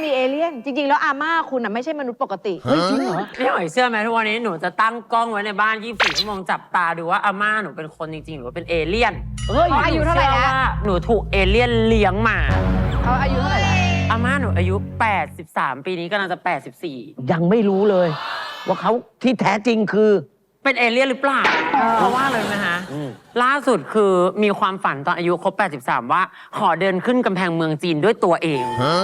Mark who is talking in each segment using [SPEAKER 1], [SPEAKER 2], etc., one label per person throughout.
[SPEAKER 1] มีเอเลี่ยนจริงๆแล้วอาม่าคุณไม่ใช่มนุษย์ปกติ
[SPEAKER 2] เฮ้ยจริงเหรอ
[SPEAKER 3] พี่หอยเชื่อไหมทุกวันนี้หนูจะตั้งกล้องไว้ในบ้าน24 ชั่วโมงจับตาดูว่าอาม่าหนูเป็นคนจริงๆหรือว่าเป็นเอเลี่ยน
[SPEAKER 2] เฮ้ย
[SPEAKER 1] อายุเท่าไหร่แล้ว
[SPEAKER 3] หนูถูกเอเลี่ยนเลี้ยงมา
[SPEAKER 1] เขาอายุเท่าไหร่แล้ว
[SPEAKER 3] อาม่าหนูอายุ 83 ปีนี้กำลังจะ 84
[SPEAKER 2] ยังไม่รู้เลย ว่าเขาที่แท้จริงคือ
[SPEAKER 3] เป็นเอเลี่ยนหรือเปล่า เพราะว่าเลยไหมฮะ ล่าสุดคือมีความฝันตอนอายุครบ 83 ว่าขอเดินขึ้นกำแพงเมืองจีนด้วยตัวเอง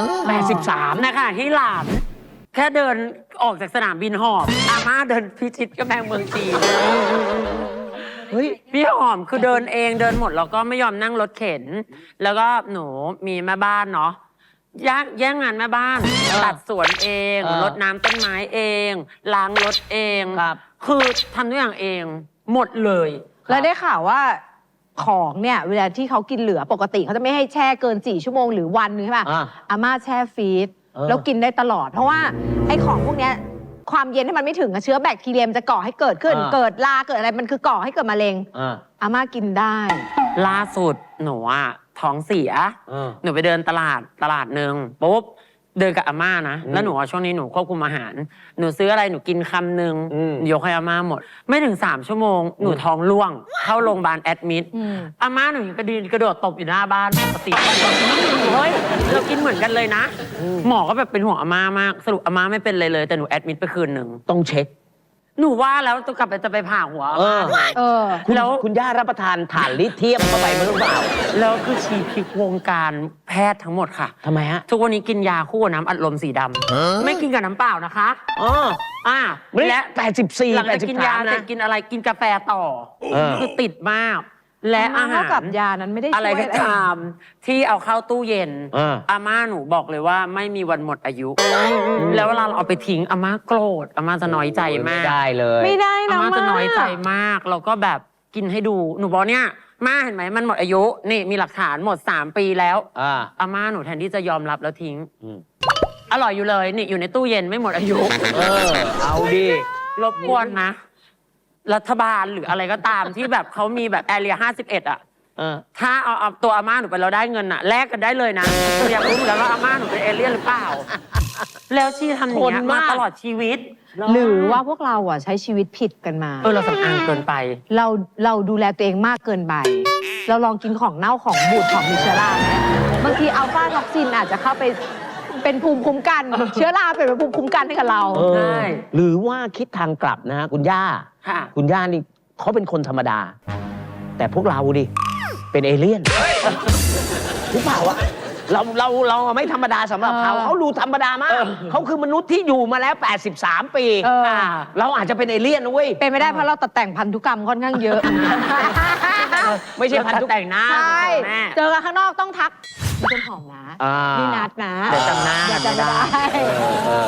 [SPEAKER 2] 83
[SPEAKER 3] นะคะที่หลานแค่เดินออกจากสนามบินหอบอาม่าเดินพิชิตกำแพงเมืองจีน
[SPEAKER 2] เฮ้ย
[SPEAKER 3] พี่หอมคือเดินเองเดินหมดแล้วก็ไม่ยอมนั่งรถเข็น แล้วก็หนูมีแม่บ้านเนาะแย่งงานแม่บ้าน ตัดสวนเองรดน้ำต้นไม้เอง ล้างรถเอง
[SPEAKER 2] ครับ
[SPEAKER 3] คือทำทุกอย่างเองหมดเลย
[SPEAKER 1] แล้วได้ข่าวว่าของเนี่ยเวลาที่เขากินเหลือปกติเขาจะไม่ให้แช่เกิน4 ชั่วโมงหรือวันนึงใช่ป่ะ อาม่าแช่ฟรีซแล้วกินได้ตลอด เพราะว่าไอ้ของพวกเนี้ยความเย็นที่มันไม่ถึงเชื้อแบคทีเรียมจะก่อให้เกิดขึ้น เกิดราเกิดอะไรมันคือก่อให้เกิดมะเร็งอาม่ากินได้
[SPEAKER 3] ล่าสุดหนูอะท้องเสีย หนูไปเดินตลาดหนึ่งปุ๊บเดินกับอาม่านะ แล้วหนูช่วงนี้หนูควบคุมอาหาร หนูซื้ออะไรหนูกินคำหนึ่งยกให้อาม่าหมด ไม่ถึง3 ชั่วโมงหนูท้องร่วง เข้าโรงพยาบาลแอดมิดอาม่าหนูยังกระโดดตบอยู่หน้าบ้านปกติเฮ้ยเรากินเหมือนกันเลยนะ หมอก็แบบเป็นห่วงอาม่ามากสรุปอาม่าไม่เป็นเลยแต่หนูแอดมิดไปคืนหนึ่ง
[SPEAKER 2] ต้องเช็ค
[SPEAKER 3] หนูว่าแล้วจะกลับไปจะไปผ่าหัวอาม่า แล้ว
[SPEAKER 2] คุณย่ารับประทานถ่านลิเธียมเข้าไปหรือเปล่า
[SPEAKER 3] แล้วคือชี้พลิกวงการแพทย์ทั้งหมดค่ะ
[SPEAKER 2] ทำไมฮะ
[SPEAKER 3] ทุกวันนี้กินยาคู่กับน้ำอัดลมสีดำไม่กินกับน้ำเปล่านะคะและ
[SPEAKER 2] 84
[SPEAKER 3] หลังจากกินยาเสร็จกินอะไรกินกาแฟต่อ คือติดมาก และอาหาร
[SPEAKER 1] เท่ากับยานั้นไม่ได้ช่วย
[SPEAKER 3] อะไรก็ตามที่เอาเข้าตู้เย็น อาม่าหนูบอกเลยว่าไม่มีวันหมดอายุ แล้วเวลาเราเอาไปทิ้งอาม่าโกรธอาม่าจะน้อยใจมาก
[SPEAKER 2] ไม่ได้เลย
[SPEAKER 1] ไม่ได้
[SPEAKER 3] อา
[SPEAKER 1] นะ
[SPEAKER 3] ม่าจะน้อยใจมากแล้วก็แบบกินให้ดูหนูบอกเนี่ยม่าเห็นไหมมันหมดอายุนี่มีหลักฐานหมด3 ปีแล้วอาม่าหนูแทนที่จะยอมรับแล้วทิ้งอร่อยอยู่เลยนี่อยู่ในตู้เย็นไม่หมดอายุ
[SPEAKER 2] เอาดิ
[SPEAKER 3] รบกวนนะ รัฐบาลหรืออะไรก็ตามที่แบบเขามีแบบแอเรีย51อะถ้าเอาตัวอาม่าหนูไปเราได้เงินอะแลกกันได้เลยนะอยากรู้เหมือนกันว่าอาม่าหนูเป็นเอเลี่ยนหรือเปล่า แล้วที่ทำอย่างนี้มาตลอดชีวิต
[SPEAKER 1] หรือว่าพวกเราใช้ชีวิตผิดกันมา
[SPEAKER 3] เราสำอางเกินไป
[SPEAKER 1] เราดูแลตัวเองมากเกินไป เราลองกินของเน่าของบูดของมีเชื้อราไหมบางทีอัลฟาท็อกซินอาจจะเข้าไปเป็นภูมิคุ้มกัน เชื้อราเป็นภูมิคุ้มกันให้กับเรา
[SPEAKER 3] ใช่
[SPEAKER 2] หรือว่าคิดทางกลับนะฮะคุณย่า
[SPEAKER 3] ค่ะ
[SPEAKER 2] คุณย่านี่เขาเป็นคนธรรมดา แต่พวกเราดิ เป็นเอเลี่ยนหรือเปล่าวะเราไม่ธรรมดาสำหรับเขาดูธรรมดามากเขาคือมนุษย์ที่อยู่มาแล้ว 83 ปี เราอาจจะเป็นเอเลี่ยนนะเว้ย
[SPEAKER 1] เป็นไม่ได้เพราะเราตัดแต่งพันธุกรรมค่อนข้างเยอะ
[SPEAKER 2] ไม่ใช่พันธุกรรม
[SPEAKER 3] แต่งหน้า
[SPEAKER 1] ใช่
[SPEAKER 3] แม่
[SPEAKER 1] เจอกันข้างนอกต้องทักนี่ต้นหอมนะนี่นัดนะ
[SPEAKER 3] เดี๋ยวจำหน้า
[SPEAKER 1] เดี๋ยวจำไม่ได้